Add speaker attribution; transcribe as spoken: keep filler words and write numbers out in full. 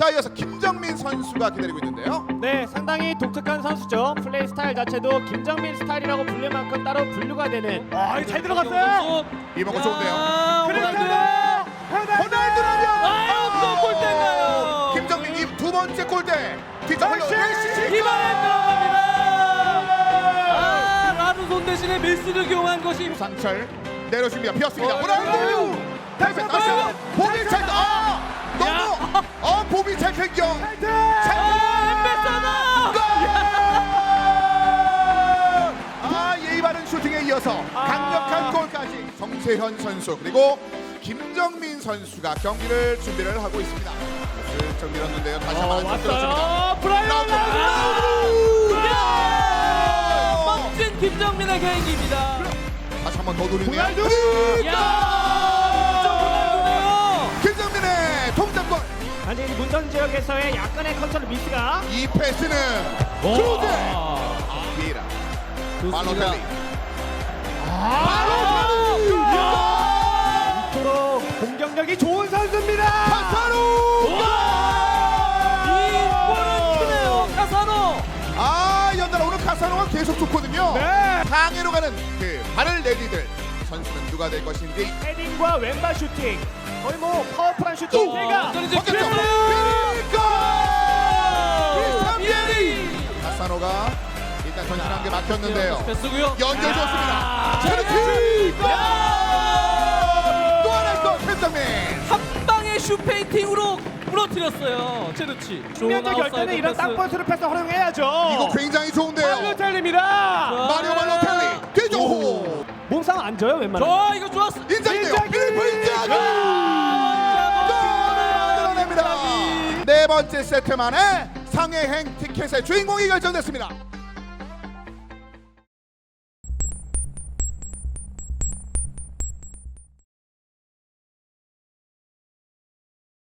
Speaker 1: 자, 이어서 김정민 선수가 기다리고 있는데요.
Speaker 2: 네, 상당히 독특한 선수죠. 플레이 스타일 자체도 김정민 스타일이라고 불릴 만큼 따로 분류가 되는. 아, 이거 잘 들어갔어요.
Speaker 1: 이번 거 좋은데요.
Speaker 2: 호날두!
Speaker 1: 호날두라면
Speaker 3: 아유, 또 골대인가요?
Speaker 1: 김정민 이 두 번째 골대. 뒷점으로
Speaker 3: 이번에 들어갑니다. 아, 라루손 대신에 메시를 기용한 것이
Speaker 1: 상철 내려줍니다. 피었습니다.
Speaker 3: 어,
Speaker 1: 호날두. 다시 다시 보비 찰. 아, 너무. 어, 보비 찰 경경. 아, 예의 바른 슈팅에 이어서 강력한 골까지 정세현 선수 그리고 김정민 선수가 경기를 준비를 하고 있습니다. 슬쩍 밀었는데요. 다시 한번 들어줍니다.
Speaker 3: 왔어요. 브라이언 라루손. 멋진 김정민의 개인기입니다.
Speaker 1: 다시 한번 더 노리네요.
Speaker 3: 야, 진짜 호날두네요.
Speaker 1: 김정민의 동점골.
Speaker 2: 아니, 문전 지역에서의 약간의 컨트롤 미스가.
Speaker 1: 이 패스는
Speaker 3: 오.
Speaker 1: 크루즈. 비에라. 발로텔리. 발로텔리.
Speaker 2: 이토록 공격력이 좋은 선수입니다.
Speaker 1: 카사노.
Speaker 3: 이 골은 크네요. 카사노.
Speaker 1: 아, 연달아 오늘 카사노가 계속 좋거든요.
Speaker 2: 네.
Speaker 1: 상해로 가는 그 발을 내디딜 선수는 누가 될 것인지.
Speaker 2: 헤딩과 왼발 슈팅. 거의 뭐 파워풀한 슈팅.
Speaker 3: 또
Speaker 2: 제가
Speaker 3: 완전히 이제
Speaker 1: 벗겼죠.
Speaker 3: 비에리. 비에리.
Speaker 1: 카사노가 일단 전진한 게 막혔는데요.
Speaker 3: 패스고요.
Speaker 1: 연결
Speaker 3: 야.
Speaker 1: 좋습니다. 체르티. 또 하나의 골 김정민.
Speaker 3: 한 방의 슈페인팅으로 부러뜨렸어요. 체르치.
Speaker 2: 측면적 결정은 이런 땅볼스루 패스 활용해야죠.
Speaker 1: 이거 굉장히 좋은데요.
Speaker 2: 발로텔리입니다.
Speaker 1: 마리오 발로텔리 뒤쪽.
Speaker 2: 몸싸움 안 져요 웬만하면.
Speaker 3: 저 이거 좋았어.
Speaker 1: 인자기네요.
Speaker 2: 인자기!
Speaker 1: 필리프 인자기. 골을 만들어냅니다. 네 번째 세트 만에 상해행 티켓의 주인공이 결정됐습니다.